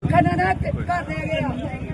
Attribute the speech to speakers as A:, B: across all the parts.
A: खनना कर दे गया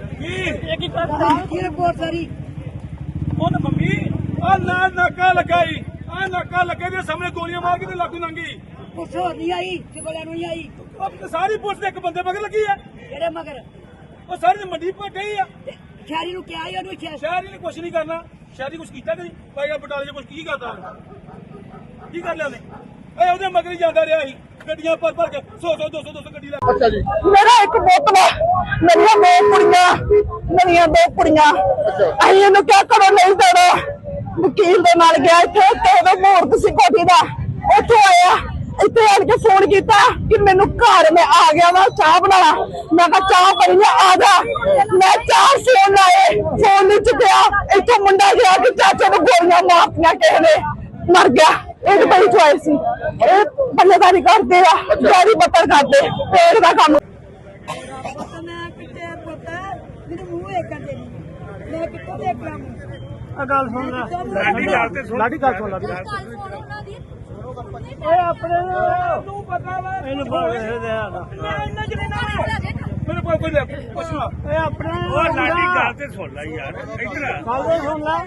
A: की रिपोर्ट सारी
B: ਉਹਨ ਮੰਮੀ ਆ ਨਾ ਨਾਕਾ ਲਗਾਈ ਆ ਨਾਕਾ ਲੱਗੇ ਦੇ ਸਾਹਮਣੇ ਗੋਲੀਆਂ ਮਾਰ ਕੇ ਤੇ ਲਾਗੂ ਲੰਗੀ
A: कुछ हो नहीं आई चिबड़ा नहीं आई
B: ਉਹ ਸਾਰੀ ਪੁਲਿਸ ਦੇ ਇੱਕ ਬੰਦੇ ਮਗਰ ਲੱਗੀ ਆ
A: तेरे मगर
B: ਉਹ ਸਾਰੀ ਮੰਡੀ ਪਾ ਗਈ ਆ
A: खैरी नु क्या आई ओनु
B: ਸ਼ਹਿਰੀ ਨੇ ਕੁਛ ਨਹੀਂ ਕਰਨਾ ਸ਼ਹਿਰੀ ਕੁਛ ਕੀਤਾ ਨਹੀਂ ਭਾਈ ਆ ਬਟਾਲੇ 'ਚ ਕੁਛ ਕੀ ਕਰਦਾ ਕੀ ਕਰ ਲਿਆ ਉਹਨੇ ਏ ਉਹਦੇ ਮਗਰ ਹੀ ਜਾਂਦਾ ਰਿਹਾ ਸੀ ਗੱਡੀਆਂ ਭਰ ਭਰ ਕੇ 100 200 ਗੱਡੀ ਲੈ
C: ਅੱਛਾ ਜੀ
D: मेरा एक बोतल मेरिया दो कुड़ियां मेरिया दो कुड़ियां असीं इहनूं क्या करो नहीं देना वकील दे नाल गया इत्थे ते ओहदा मुहूर्त सी कोठी दा उत्थों आया इत्थे आण के फोन कीता कि मैनू घर मैं आ गया वा चाह बना मैं कहा चाह बनी आ जा मैं चार फोन लाए फोन नहीं चुकया इत्थों मुंडा गया कि चाचे नूं गोलियां मारतियां किसे ने मर गया एक बड़ी चॉइस सी बल्लेदारी करते आ गाड़ी बत्तर करते पेड़ का काम
A: मैं किते पता मेरे मुंह एक कर देनी मैं कितो देख ला
B: ਗੱਲ ਸੁਣ ਲੈ ਲਾਡੀ ਗੱਲ ਸੁਣ ਲਾ ਓਏ ਆਪਣੇ ਨੂੰ ਪਤਾ ਵਾ ਇਹਨੂੰ ਮੈਂ ਇੰਨਾ ਜਿਹੜੇ ਨਾਲ ਮੇਰੇ ਕੋਲ ਕੋਈ ਕੁਛ ਨਾ ਓਏ ਆਪਣੇ ਉਹ ਲਾਡੀ ਗੱਲ ਤੇ ਸੁਣ ਲੈ ਯਾਰ ਇੱਧਰ ਗੱਲ ਤੇ ਸੁਣ ਲੈ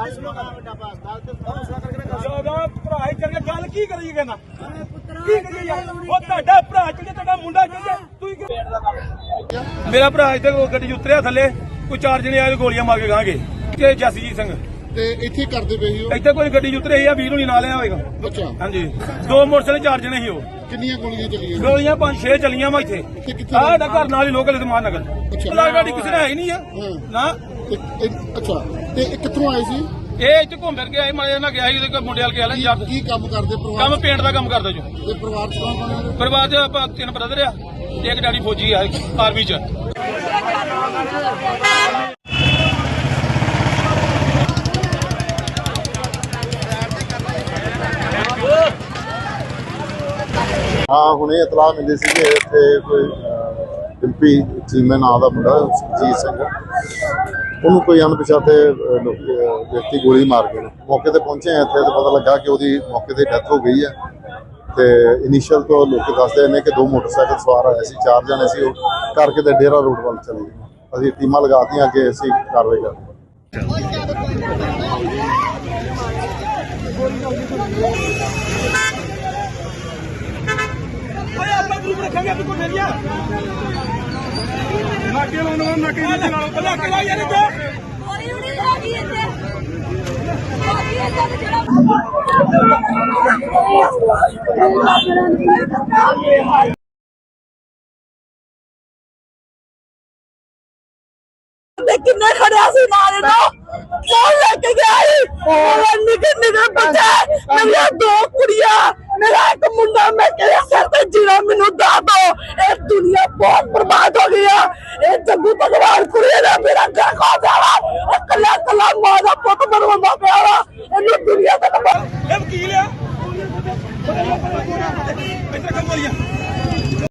B: ਜਦੋਂ ਭਰਾ ਹੀ ਕਰਕੇ ਗੱਲ ਕੀ ਕਰੀਏ ਕਹਿੰਦਾ ਕੀ ਕਰੀਏ ਯਾਰ ਉਹ ਤੁਹਾਡਾ ਭਰਾ ਚੱਲੇ ਤੁਹਾਡਾ ਮੁੰਡਾ ਚੱਲੇ ਤੂੰ ਮੇਰਾ ਭਰਾ ਇੱਥੇ ਗੱਡੀ ਉਤਰਿਆ ਥੱਲੇ ਕੋਈ 4 ਜਣੇ ਆਏ ਗੋਲੀਆਂ ਮਾਰ ਕੇ ਗਾਂਗੇ ਕਿ ਜਸਜੀਤ ਸਿੰਘ
C: ਤੇ ਇੱਥੇ ਕਰਦੇ ਪਏ ਸੀ ਉਹ
B: ਇੱਥੇ ਕੋਈ ਗੱਡੀ ਉਤਰੇ ਸੀ ਆ ਵੀਰ ਨੂੰ ਨਹੀਂ ਨਾਲ ਲਿਆ ਹੋਏਗਾ
C: ਅੱਛਾ
B: ਹਾਂਜੀ 2 ਮੋਟਰਸਾਈਕਲ 4 ਜਣੇ ਸੀ ਉਹ
C: ਕਿੰਨੀਆਂ ਗੋਲੀਆਂ ਚੱਲੀਆਂ
B: ਗੋਲੀਆਂ 5-6 ਚੱਲੀਆਂ ਵਾ ਇੱਥੇ
C: ਤੇ ਕਿੱਥੇ
B: ਆਹ ਦਾ ਘਰ ਨਾਲ ਹੀ ਲੋਕਲ ਇਤਮਾਨ ਨਗਰ
C: ਅੱਛਾ।
B: ਲਾਲ ਗਾੜੀ ਕਿਸੇ ਨੇ ਹੈ ਹੀ ਨਹੀਂ ਆ
C: ਹਾਂ।
B: ਨਾ
C: ਅੱਛਾ ਤੇ ਇਹ ਕਿੱਥੋਂ ਆਏ ਸੀ
B: ਇਹ ਇੱਥੇ ਘੁੰਮ ਫਿਰ ਕੇ ਆਏ ਮਾਰੇ ਨਾਲ ਗਿਆ ਸੀ ਉਹਦੇ ਕੋਲ ਮੁੰਡੇ ਵਾਲ ਗਿਆ ਯਾਰ
C: ਕੀ ਕੰਮ ਕਰਦੇ ਪਰਿਵਾਰ
B: ਕੰਮ ਪੇਂਟ ਦਾ ਕੰਮ ਕਰਦਾ ਜੋ
C: ਤੇ ਪਰਿਵਾਰ ਚ ਕੌਣ ਕੌਣ ਹੈ?
B: ਪਰਿਵਾਰ ਚ ਆਪਾਂ 3 ਬ੍ਰਦਰ ਆ ਤੇ ਇੱਕ ਡੈਡੀ ਫੌਜੀ ਆ ਆਰਮੀ ਚ
C: ਹਾਂ ਹੁਣੇ ਇਤਲਾਹ ਮਿਲੀ ਸੀ ਕਿ ਇੱਥੇ ਕੋਈ ਡਿੰਪੀ ਚੀਮੇ ਨਾਂ ਦਾ ਮੁੰਡਾ ਜੀਤ ਸਿੰਘ ਉਹਨੂੰ ਕੋਈ ਅਣਪਛਾਤੇ ਵਿਅਕਤੀ ਗੋਲੀ ਮਾਰ ਗਏ ਮੌਕੇ ਤੇ ਪਹੁੰਚੇ ਆ ਇੱਥੇ ਤੇ ਪਤਾ ਲੱਗਾ ਕਿ ਉਹਦੀ ਮੌਕੇ ਤੇ ਡੈਥ ਹੋ ਗਈ ਹੈ ਤੇ ਇਨੀਸ਼ੀਅਲ ਤੋਂ ਲੋਕ ਦੱਸਦੇ ਨੇ ਕਿ 2 ਮੋਟਰਸਾਈਕਲ ਸਵਾਰ ਆਏ ਸੀ 4 ਜਣੇ ਸੀ ਉਹ ਕਰਕੇ ਤੇ ਡੇਰਾ ਰੋਡ ਵੱਲ ਚਲੇ ਗਏ ਅਸੀਂ ਟੀਮਾਂ ਲਗਾਤੀਆਂ ਕਿ ਅਸੀਂ ਕਾਰਵਾਈ ਕਰਦੇ
B: ਓਏ ਆਪਾਂ ਗਰੁੱਪ ਰੱਖਾਂਗੇ ਤੂੰ ਕੋਈ ਫੇਰੀਆ ਨਾਕੇ ਲਾਉਣਾ ਨਾਕੇ ਜੀ ਨਾਲ ਨਾਕੇ ਲਾ ਯਾਰ ਇੱਥੇ
A: ਗੋਲੀ ਨਹੀਂ ਲੱਗੀ ਇੱਥੇ ਗੋਲੀ ਇੱਥੇ ਜਿਹੜਾ
D: किन्ने खड़िया सी नाल नो कौन लेके गया निके निके बच्चे मेरी 2 कुड़ियां मेरा एक मुंडा मैं तेरे सर पे जीना मैनू दस दो ये दुनिया बहुत बर्बाद हो गई है ये जग्गू भगवान कुड़ी ने मेरा घर खा दिया कला कला मां का पुत बनवाना पिया इन्हें दुनिया तक
B: ਇਹ ਵਕੀਲ ਆ ਇੱਥੇ ਕੰਮ ਵਾਲੀਆਂ